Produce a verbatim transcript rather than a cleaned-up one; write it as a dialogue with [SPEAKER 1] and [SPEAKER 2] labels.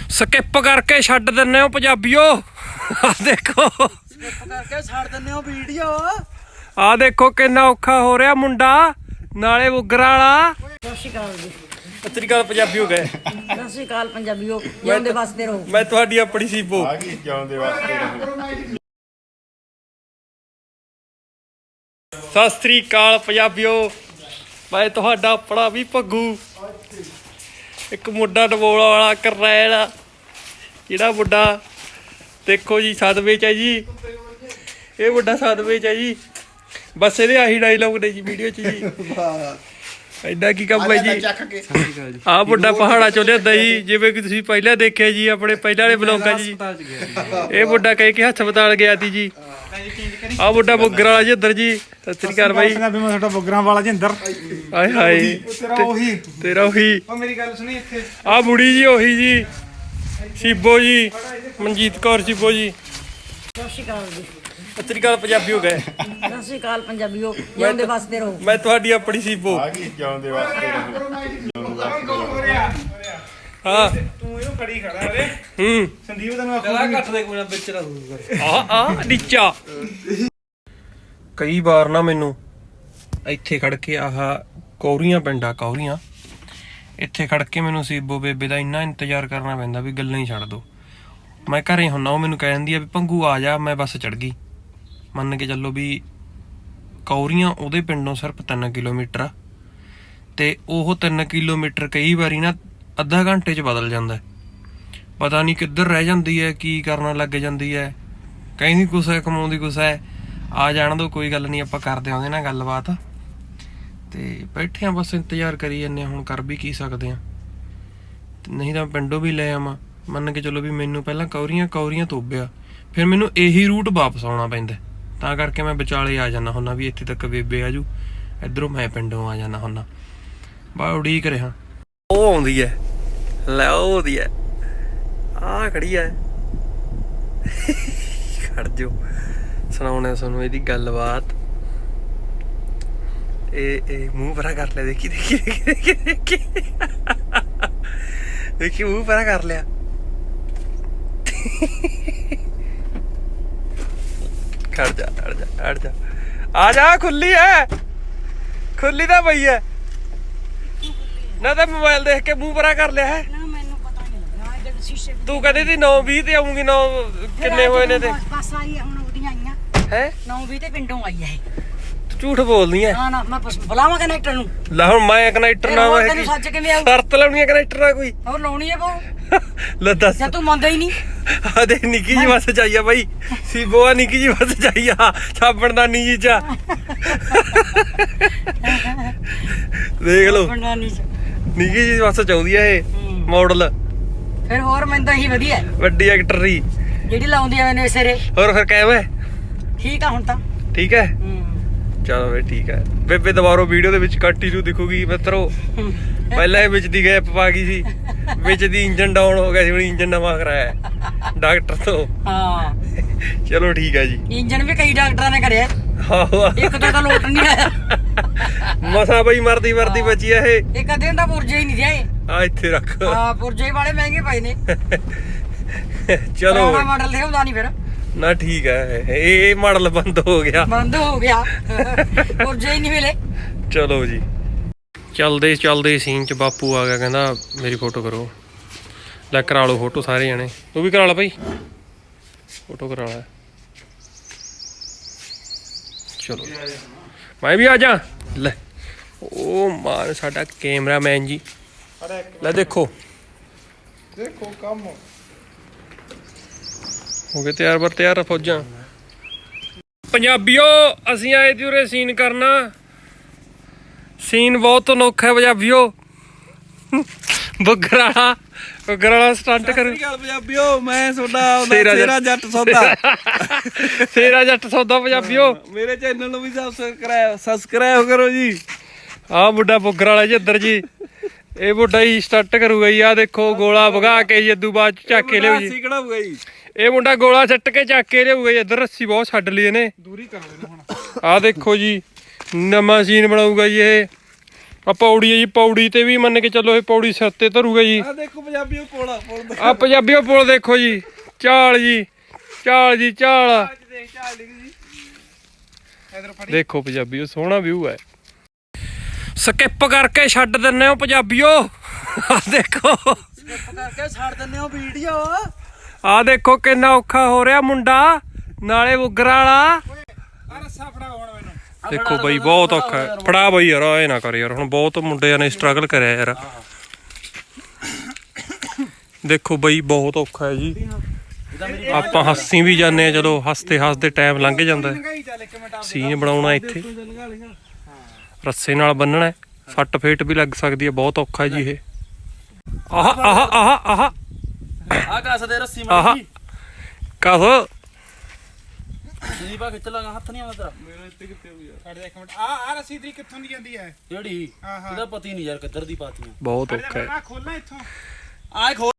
[SPEAKER 1] Skip ਕਰਕੇ ਛੱਡ ਦਿੰਨੇ ਹੋ ਪੰਜਾਬੀਓ। ਆ ਦੇਖੋ
[SPEAKER 2] ਸਕਿਪ ਕਰਕੇ ਛੱਡ ਦਿੰਨੇ ਹੋ ਵੀਡੀਓ।
[SPEAKER 1] ਆ ਦੇਖੋ ਕਿੰਨਾ ਔਖਾ ਹੋ ਰਿਹਾ ਮੁੰਡਾ, ਨਾਲੇ ਬੁੱਗਰਾ ਵਾਲਾ।
[SPEAKER 2] ਸਤਿ ਸ਼੍ਰੀ ਅਕਾਲ ਜੀ।
[SPEAKER 1] ਸਤਿ ਸ਼੍ਰੀ ਅਕਾਲ ਪੰਜਾਬੀਓ ਗਏ।
[SPEAKER 2] ਸਤਿ ਸ਼੍ਰੀ ਅਕਾਲ ਪੰਜਾਬੀਓ, ਜਿਉਂਦੇ ਵਸਦੇ ਰਹੋ।
[SPEAKER 1] ਮੈਂ ਤੁਹਾਡੀ ਆਪਣੀ ਸੀਬੋ।
[SPEAKER 3] ਆ ਗਈ ਜਿਉਂਦੇ ਵਸਦੇ ਰਹੋ।
[SPEAKER 1] ਸਤਿ ਸ਼੍ਰੀ ਅਕਾਲ ਪੰਜਾਬੀਓ, ਮੈਂ ਤੁਹਾਡਾ ਆਪਣਾ ਵੀ ਭੱਗੂ। ਇੱਕ ਮੁੰਡਾ ਡਬੋਲਾ ਵਾਲਾ ਕਰਨੈਲ ਆ, ਜਿਹੜਾ ਮੁੰਡਾ ਦੇਖੋ ਜੀ ਸਦਮੇ ਚ ਹੈ ਜੀ। ਇਹ ਮੁੰਡਾ ਸਦਮੇ ਚ ਹੈ ਜੀ। ਬਸ ਇਹਦੇ ਆਹੀ ਡਾਇਲੌਗ ਨੇ ਜੀ ਵੀਡੀਓ ਚ ਜੀ। ਐਡਾ ਕੀ ਕੰਮ ਹੈ ਜੀ। ਆਹ ਮੁੰਡਾ ਪਹਾੜਾਂ ਚੋਂ ਲਿਆਂਦਾ ਜੀ, ਜਿਵੇਂ ਕਿ ਤੁਸੀਂ ਪਹਿਲਾਂ ਦੇਖਿਆ ਜੀ ਆਪਣੇ ਪਹਿਲਾਂ ਵਾਲੇ ਬਲੌਗਾਂ ਚ ਜੀ। ਇਹ ਮੁੰਡਾ ਕਹਿ ਕੇ ਹਸਪਤਾਲ ਗਿਆ ਸੀ ਜੀ। ਆਹ ਮੁੰਡਾ ਬੁੱਗਰ ਵਾਲਾ ਜੀ ਅੰਦਰ ਜੀ। ਸਤਿ ਸ੍ਰੀ ਅਕਾਲ ਬਾਈ।
[SPEAKER 4] ਮੈਂ ਤੁਹਾਡਾ ਬੁੱਗਰਾਂ ਵਾਲਾ ਜੀ ਅੰਦਰ।
[SPEAKER 1] ਹਾਏ ਹਾਏ
[SPEAKER 4] ਤੇਰਾ ਉਹੀ
[SPEAKER 1] ਤੇਰਾ ਉਹੀ।
[SPEAKER 4] ਉਹ ਮੇਰੀ ਗੱਲ ਸੁਣੀ ਇੱਥੇ।
[SPEAKER 1] ਆਹ ਬੁੜੀ ਜੀ ਉਹੀ ਜੀ, ਸੀਬੋ ਜੀ, ਮਨਜੀਤ ਕੌਰ ਸੀਬੋ ਜੀ।
[SPEAKER 2] ਸਤਿ ਸ਼੍ਰੀ ਅਕਾਲ ਜੀ।
[SPEAKER 1] ਸਤਿ ਸ਼੍ਰੀ ਅਕਾਲ ਪੰਜਾਬੀਓ ਗਏ।
[SPEAKER 2] ਸਤਿ ਸ਼੍ਰੀ ਅਕਾਲ ਪੰਜਾਬੀਓ, ਜਿਉਂਦੇ ਵਸਦੇ ਰਹੋ।
[SPEAKER 1] ਮੈਂ ਤੁਹਾਡੀ ਆਪਣੀ ਸੀਬੋ।
[SPEAKER 3] ਆ ਗਈ ਜਿਉਂਦੇ ਵਸਦੇ ਰਹੋ।
[SPEAKER 1] ਹਾਂ
[SPEAKER 4] ਤੂੰ ਇਹਨੂੰ ਖੜੀ ਖੜਾ ਰੇ।
[SPEAKER 1] ਹੂੰ
[SPEAKER 4] ਸੰਦੀਪ ਤੈਨੂੰ ਆਖੂ ਘੱਟ ਦੇ ਕੋਈ ਨਾ ਵਿੱਚ ਰੱਖ।
[SPEAKER 1] ਆ ਆ ਨੀਚਾ। ਕਈ ਵਾਰ ਨਾ ਮੈਨੂੰ ਇੱਥੇ ਖੜ ਕੇ ਆਹ ਕੌਰੀਆਂ ਪਿੰਡਾਂ ਕੌਰੀਆਂ, ਇੱਥੇ ਖੜ ਕੇ ਮੈਨੂੰ ਸੀਬੋ ਬੇਬੇ ਦਾ ਇੰਨਾ ਇੰਤਜ਼ਾਰ ਕਰਨਾ ਪੈਂਦਾ ਵੀ ਗੱਲਾਂ ਹੀ ਛੱਡ ਦੋ। ਮੈਂ ਘਰੇ ਹੁੰਨਾ, ਉਹ ਮੈਨੂੰ ਕਹਿ ਦਿੰਦੀ ਆ ਵੀ ਭੰਗੂ ਆ ਜਾ, ਮੈਂ ਬੱਸ ਚੜ ਗਈ। ਮੰਨ ਕੇ ਚੱਲੋ ਵੀ ਕੌਰੀਆਂ ਉਹਦੇ ਪਿੰਡੋਂ ਸਿਰਫ ਤਿੰਨ ਕਿਲੋਮੀਟਰ ਆ, ਤੇ ਉਹ ਤਿੰਨ ਕਿਲੋਮੀਟਰ ਕਈ ਵਾਰੀ ਨਾ ਅੱਧਾ ਘੰਟੇ 'ਚ ਬਦਲ ਜਾਂਦਾ। ਪਤਾ ਨਹੀਂ ਕਿੱਧਰ ਰਹਿ ਜਾਂਦੀ ਹੈ, ਕੀ ਕਰਨ ਲੱਗ ਜਾਂਦੀ ਹੈ। ਕਹਿੰਦੀ ਕੁਛ ਹੈ, ਕਮਾਉਂਦੀ ਕੁਛ ਹੈ। ਆ ਜਾਣ ਦੋ, ਕੋਈ ਗੱਲ ਨਹੀਂ, ਆਪਾਂ ਕਰਦੇ ਉਹਦੇ ਨਾਲ ਗੱਲਬਾਤ। ਤੇ ਬੈਠੇ ਆ ਬਸ ਇੰਤਜ਼ਾਰ ਕਰੀ ਜਾਂਦੇ ਹਾਂ। ਹੁਣ ਕਰ ਵੀ ਕੀ ਸਕਦੇ ਹਾਂ, ਨਹੀਂ ਤਾਂ ਪਿੰਡੋਂ ਵੀ ਲੈ ਆਵਾਂ। ਮੰਨ ਕੇ ਚਲੋ ਵੀ ਮੈਨੂੰ ਪਹਿਲਾਂ ਕੌਰੀਆਂ ਕੌਰੀਆਂ ਤੋਬਿਆ, ਫਿਰ ਮੈਨੂੰ ਇਹੀ ਰੂਟ ਵਾਪਸ ਆਉਣਾ ਪੈਂਦਾ। ਤਾਂ ਕਰਕੇ ਮੈਂ ਵਿਚਾਲੇ ਆ ਜਾਂਦਾ ਹੁੰਦਾ ਵੀ ਇੱਥੇ ਤੱਕ ਬੇਬੇ ਆਜੂ, ਇੱਧਰੋਂ ਮੈਂ ਪਿੰਡੋਂ ਆ ਜਾਂਦਾ ਹੁੰਦਾ। ਬਾ ਉਡੀਕ ਰਿਹਾ। ਉਹ ਆਉਂਦੀ ਹੈ, ਲੈ ਉਹ ਆਉਂਦੀ ਹੈ, ਆਹ ਖੜੀ ਹੈ। ਖੜ ਜੋ, ਸੁਣਾਉਣੇ ਤੁਹਾਨੂੰ ਇਹਦੀ ਗੱਲਬਾਤ। ਇਹ ਇਹ ਮੂੰਹ ਪਰਾ ਕਰ ਲਿਆ, ਦੇਖੀ ਦੇਖੀ ਦੇਖੀ ਦੇਖੀ ਦੇਖੀ ਮੂੰਹ ਪਰਾ ਕਰ ਲਿਆ। ਖੜ ਜਾ ਖੜ ਜਾ ਖੜ ਜਾ, ਆ ਜਾ, ਖੁੱਲੀ ਹੈ, ਖੁੱਲੀ ਤਾਂ ਪਈ ਹੈ ਨਾ। ਤਾਂ ਮੋਬਾਈਲ ਦੇਖ ਕੇ ਮੂੰਹ ਪਰਾ ਕਰ ਲਿਆ ਹੈ।
[SPEAKER 2] ਮੈਨੂੰ ਪਤਾ ਨਹੀਂ ਲੱਗਾ ਜਦ ਸ਼ੀਸ਼ੇ
[SPEAKER 1] ਤੂੰ ਕਹਿੰਦੀ ਸੀ ਨੌ ਵੀਹ ਤੇ ਆਉਂਗੀ, ਨੌ ਕਿੰਨੇ ਹੋਏ ਨੇ ਤੇ
[SPEAKER 2] ਬਸ ਆਈ ਹੁਣ ਉਹਦੀਆਂ ਆਈਆਂ
[SPEAKER 1] ਹੈ।
[SPEAKER 2] ਨੌ ਵੀਹ ਤੇ ਪਿੰਡੋਂ ਆਈ ਹੈ।
[SPEAKER 1] ਤੂੰ ਝੂਠ ਬੋਲਦੀ ਐ।
[SPEAKER 2] ਨਾ ਨਾ ਮੈਂ ਬੁਲਾਵਾਂ ਕਨੈਕਟਰ ਨੂੰ।
[SPEAKER 1] ਲੈ ਹੁਣ ਮੈਂ ਕਨੈਕਟਰ ਨਾ
[SPEAKER 2] ਹੋਰ ਤੈਨੂੰ ਸੱਚ ਕਿਵੇਂ ਆਊ?
[SPEAKER 1] ਸ਼ਰਤ ਲਾਉਣੀ ਹੈ ਕਨੈਕਟਰ ਨਾਲ ਕੋਈ।
[SPEAKER 2] ਹੋਰ ਲਾਉਣੀ ਹੈ ਬਹੁ।
[SPEAKER 1] ਲੈ ਦੱਸ।
[SPEAKER 2] ਜਾਂ ਤੂੰ ਮੰਨਦਾ ਹੀ ਨਹੀਂ।
[SPEAKER 1] ਆ ਦੇ ਨਿੱਕੀ ਜੀ ਬੱਸ ਚਾਹੀਆ ਬਾਈ, ਸੀਬੋ ਆ ਨਿੱਕੀ ਜੀ ਬੱਸ ਚਾਹੀਆ, ਸਾਬਣ ਦਾ ਨੀ ਜੀ ਚਾ। ਦੇਖ ਲਓ ਨਿੱਕੀ ਜੀ ਬੱਸ ਚਾਹੁੰਦੀ ਆ ਇਹ ਮਾਡਲ।
[SPEAKER 2] ਫਿਰ ਹੋਰ ਮੈਨੂੰ ਤਾਂ ਇਹੀ ਵਧੀਆ
[SPEAKER 1] ਵੱਡੀ ਐਕਟਰ ਦੀ
[SPEAKER 2] ਜਿਹੜੀ ਲਾਉਂਦੀ ਆ ਮੈਨੂੰ ਸਿਰੇ।
[SPEAKER 1] ਹੋਰ ਫਿਰ ਕਹਿ
[SPEAKER 2] ਠੀਕ ਆ ਹੁਣ ਤਾਂ
[SPEAKER 1] ਠੀਕ ਹੈ। ਚਲੋ ਵੇ ਠੀਕ ਹੈ। ਬੇਬੇ ਦੁਬਾਰਾ ਵੀਡੀਓ ਦੇ ਵਿੱਚ ਕੰਟੀਨਿਊ ਦਿਖੂਗੀ ਮਿੱਤਰੋ। ਪਹਿਲਾਂ ਇਹ ਵਿੱਚ ਦੀ ਗੈਪ ਪਾ ਗਈ ਸੀ, ਵਿੱਚ ਦੀ ਇੰਜਨ ਡਾਊਨ ਹੋ ਗਿਆ ਸੀ, ਹੁਣ ਇੰਜਨ ਨਵਾਂ ਕਰਾਇਆ ਡਾਕਟਰ ਤੋਂ। ਹਾਂ ਚਲੋ ਠੀਕ ਹੈ ਜੀ। ਇੰਜਨ ਵੀ ਕਈ ਡਾਕਟਰਾਂ ਨੇ ਕਰਿਆ, ਇੱਕ ਤਾਂ ਲੋਟ ਨਹੀਂ ਆਇਆ। ਮਸਾ ਬਈ ਮਰਦੀ ਮਰਦੀ ਬਚੀ ਆ ਇਹ। ਇੱਕ ਅੱਧੇ ਦਾ ਪੁਰਜੇ ਹੀ ਨਹੀਂ ਰਿਹਾ ਇਹ। ਆ ਇੱਥੇ ਰੱਖ। ਹਾਂ ਪੁਰਜੇ ਵਾਲੇ ਮਹਿੰਗੇ ਪਏ ਨੇ। ਚਲੋ ਮਾਡਲ ਤੇ ਹੁੰਦਾ ਨਹੀਂ ਫਿਰ ਨਾ। ਠੀਕ ਹੈ, ਇਹ ਮਾਡਲ ਬੰਦ ਹੋ ਗਿਆ, ਬੰਦ ਹੋ ਗਿਆ, ਪੁਰਜੇ ਹੀ ਨਹੀਂ ਮਿਲੇ। ਚਲੋ ਜੀ, ਚੱਲਦੇ ਚੱਲਦੇ ਸੀਨ ਚ ਬਾਪੂ ਆ ਗਿਆ, ਕਹਿੰਦਾ ਮੇਰੀ ਫੋਟੋ ਕਰੋ। ਲੈ ਕਰਾ ਲਓ ਫੋਟੋ ਸਾਰੇ ਜਣੇ, ਤੂੰ ਵੀ ਕਰਾ ਲਾ ਭਾਈ ਫੋਟੋ ਕਰਾ ਲਾ। ਚਲੋ ਮੈਂ ਵੀ ਆ ਜਾ। ਲੈ ਉਹ ਮਾਰ ਸਾਡਾ ਕੈਮਰਾਮੈਨ ਜੀ। ਲੈ ਦੇਖੋ
[SPEAKER 4] ਦੇਖੋ ਕੰਮ
[SPEAKER 1] ਹੋ ਗਏ ਤਿਆਰ ਬਰ ਤਿਆਰ ਫੌਜਾਂ। ਪੰਜਾਬੀਓ ਅਸੀਂ ਆਏ ਤੇ ਉਰੇ ਸੀਨ ਕਰਨਾ। ਸੀਨ ਬਹੁਤ ਅਨੋਖਾ ਪੰਜਾਬੀਓ। ਬੁੱਗਰ ਵਾਲਾ ਬੁੱਗਰ ਵਾਲਾ ਸਟੰਟ ਕਰ।
[SPEAKER 4] ਪੰਜਾਬੀਓ ਮੈਂ ਤੁਹਾਡਾ ਸੇਰਾ ਜੱਟ ਸੌਦਾ।
[SPEAKER 1] ਸੇਰਾ ਜੱਟ ਸੌਦਾ ਪੰਜਾਬੀਓ।
[SPEAKER 4] ਮੇਰੇ ਚੈਨਲ ਨੂੰ ਵੀ ਸਬਸਕ੍ਰਾਈਬ ਸਬਸਕ੍ਰਾਈਬ ਕਰੋ ਜੀ।
[SPEAKER 1] ਆਹ ਮੁੰਡਾ ਬੁੱਗਰ ਵਾਲਾ ਜੀ ਇੱਧਰ ਜੀ। ਇਹ ਮੁੰਡਾ ਹੀ ਸਟੰਟ ਕਰੂਗਾ ਜੀ। ਆਹ ਦੇਖੋ ਗੋਲਾ ਵਗਾ ਕੇ ਜੀ ਇਦੋਂ ਬਾਅਦ ਚੱਕ ਕੇ ਲਿਓ ਜੀ।
[SPEAKER 4] ਕਢਾਊਗਾ ਜੀ
[SPEAKER 1] ਇਹ ਮੁੰਡਾ ਗੋਲਾ ਸੱਟ ਕੇ ਚੱਕ ਕੇ ਲਿਆਊਗਾ ਜੀ। ਇੱਧਰ ਰੱਸੀ ਬਹੁਤ ਛੱਡ ਲਈ ਇਹਨੇ,
[SPEAKER 4] ਦੂਰੀ ਕਰ ਲੈਣਾ ਹੁਣ।
[SPEAKER 1] ਆਹ ਦੇਖੋ ਜੀ ਨਵਾਂ ਸੀਨ ਬਣਾਊਗਾ ਜੀ ਇਹ। ਆ ਪੌੜੀ ਹੈ ਜੀ, ਪੌੜੀ ਤੇ ਵੀ ਮੰਨ ਕੇ ਚੱਲੋ ਇਹ ਪੌੜੀ ਸਿਰ ਤੇ ਧਰੂਗਾ ਜੀ।
[SPEAKER 4] ਆ ਦੇਖੋ ਪੰਜਾਬੀ ਉਹ ਪੋਲਾ ਪੁੱਲ
[SPEAKER 1] ਆ ਪੰਜਾਬੀਓ ਪੁਲ ਦੇਖੋ ਜੀ, ਚਾਲ ਜੀ ਚਾਲ ਜੀ ਚਾਲ।
[SPEAKER 4] ਦੇਖ ਚਾਲ ਡਿੱਗ ਜੀ ਇਧਰ ਫੜੀ
[SPEAKER 1] ਦੇਖੋ ਪੰਜਾਬੀਓ ਸੋਹਣਾ ਵਿਊ ਹੈ। ਸਕਿਪ ਕਰਕੇ ਛੱਡ ਦਿੰਨੇ ਹੋ ਪੰਜਾਬੀਓ। ਆ ਦੇਖੋ
[SPEAKER 2] ਕਰਕੇ ਛੱਡ ਦਿੰਦੇ ਹੋ ਵੀਡੀਓ।
[SPEAKER 1] ਆ ਦੇਖੋ ਕਿੰਨਾ ਔਖਾ ਹੋ ਰਿਹਾ ਮੁੰਡਾ, ਨਾਲੇ ਉਗਰਾ ਵਾਲਾ।
[SPEAKER 4] ਆ ਰੱਸਾ ਫੜਾ ਹੁਣ ਮੈਨੂੰ।
[SPEAKER 1] ਦੇਖੋ ਬਈ ਬਹੁਤ ਔਖਾ ਹੈ। ਫੜਾ ਬਈ ਯਾਰ, ਇਹ ਨਾ ਕਰ ਯਾਰ, ਹੁਣ ਬਹੁਤ ਮੁੰਡਿਆਂ ਨੇ ਸਟਰਗਲ ਕਰਿਆ ਯਾਰ। ਦੇਖੋ ਬਈ ਬਹੁਤ ਔਖਾ ਹੈ ਜੀ। ਆਪਾਂ ਹੱਸੀ ਵੀ ਜਾਂਦੇ ਆ, ਚਲੋ ਹੱਸਦੇ ਹੱਸਦੇ ਟਾਈਮ ਲੰਘ ਜਾਂਦਾ ਹੈ।
[SPEAKER 4] ਚੱਲ ਇੱਕ ਮਿੰਟ
[SPEAKER 1] ਸੀਨ ਬਣਾਉਣਾ ਇੱਥੇ, ਰੱਸੇ ਨਾਲ ਬੰਨਣਾ, ਸੱਟ ਫੇਟ ਵੀ ਲੱਗ ਸਕਦੀ ਹੈ। ਬਹੁਤ ਔਖਾ ਹੈ ਜੀ ਇਹ। ਆਹ ਆਹ ਆਹ ਆਹ
[SPEAKER 4] ਆ ਕੱਸ ਦੇ ਰੱਸੀ
[SPEAKER 1] ਆਹ
[SPEAKER 4] ਮਾਰੀ
[SPEAKER 1] ਕਸ
[SPEAKER 4] ਜੀ ਬਾ ਖਿੱਚ ਲਾਂਗਾ, ਹੱਥ ਨਹੀਂ ਆਉਂਦਾ ਤੇਰਾ। ਮੇਰਾ ਇੱਥੇ ਕਿੱਥੇ ਹੋ ਗਿਆ। ਛੱਡ ਦੇ ਇੱਕ ਮਿੰਟ। ਆ ਆ ਰੱਸੀ ਤੇਰੀ ਕਿੱਥੋਂ ਦੀ ਜਾਂਦੀ ਹੈ? ਜਿਹੜੀ ਇਹਦਾ ਪਤਾ ਹੀ ਨਹੀਂ ਯਾਰ ਕਿੱਧਰ ਦੀ ਪਾਤੀ।
[SPEAKER 1] ਬਹੁਤ ਔਖਾ ਹੈ।
[SPEAKER 4] ਆ ਖੋਲਣਾ ਇੱਥੋਂ। ਆ ਖੋਲ